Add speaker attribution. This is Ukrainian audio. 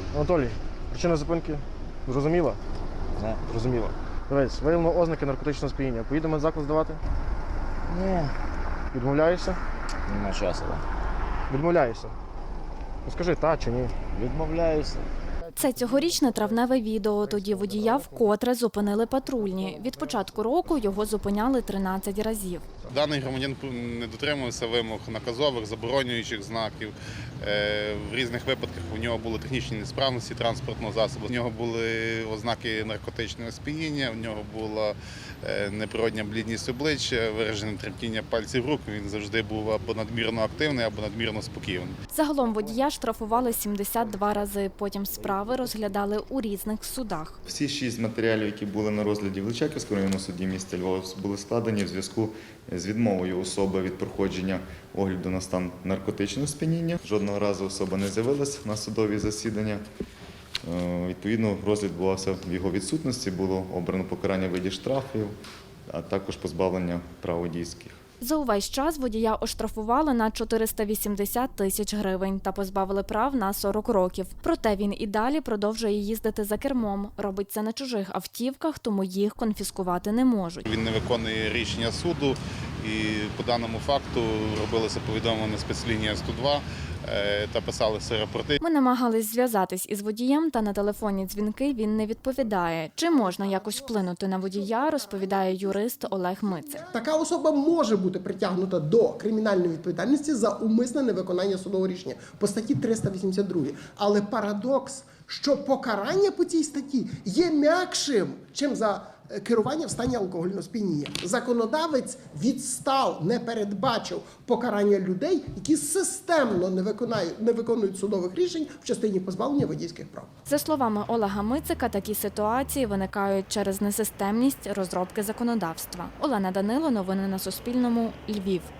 Speaker 1: Анатолій, причина зупинки зрозуміла?
Speaker 2: Не.
Speaker 1: Зрозуміла. Дивись, виявлено ознаки наркотичного сп'яніння. Поїдемо заклад здавати?
Speaker 2: Ні.
Speaker 1: Відмовляєшся?
Speaker 2: Нема часу.
Speaker 1: Відмовляєшся. Ну скажи, та чи ні?
Speaker 2: Відмовляюся.
Speaker 3: Це цьогорічне травневе відео. Тоді водія вкотре зупинили патрульні. Від початку року його зупиняли 13 разів.
Speaker 4: Даний громадян не дотримувався вимог наказових, заборонюючих знаків. В різних випадках у нього були технічні несправності транспортного засобу. У нього були ознаки наркотичного сп'яніння, у нього була неприродня блідність обличчя, виражене тремтіння пальців рук. Він завжди був або надмірно активний, або надмірно спокійний.
Speaker 3: Загалом водія штрафували 72 рази. Потім справи розглядали у різних судах.
Speaker 5: Всі 6 матеріалів, які були на розгляді в Личаківському районному суді міста Львова, були складені в зв'язку з відмовою особи від проходження огляду на стан наркотичного сп'яніння. Жодного разу особа не з'явилась на судові засідання. Відповідно, розгляд відбувався в його відсутності, було обрано покарання в виді штрафів, а також позбавлення прав водійських.
Speaker 3: За увесь час водія оштрафували на 480 тисяч гривень та позбавили прав на 40 років. Проте він і далі продовжує їздити за кермом. Робить це на чужих автівках, тому їх конфіскувати не можуть.
Speaker 4: Він не виконує рішення суду і по даному факту робилося повідомлення спецлінія 102 та писалися рапорти.
Speaker 3: Ми намагались зв'язатись із водієм, та на телефонні дзвінки він не відповідає. Чи можна якось вплинути на водія, розповідає юрист Олег Мицик.
Speaker 6: Така особа може бути притягнута до кримінальної відповідальності за умисне невиконання судового рішення по статті 382. Але парадокс, що покарання по цій статті є м'якшим, чим за керування в стані алкогольного сп'яніння. Законодавець відстав, не передбачив покарання людей, які системно не виконують судових рішень в частині позбавлення водійських прав.
Speaker 3: За словами Олега Мицика, такі ситуації виникають через несистемність розробки законодавства. Олена Данило, новини на Суспільному, Львів.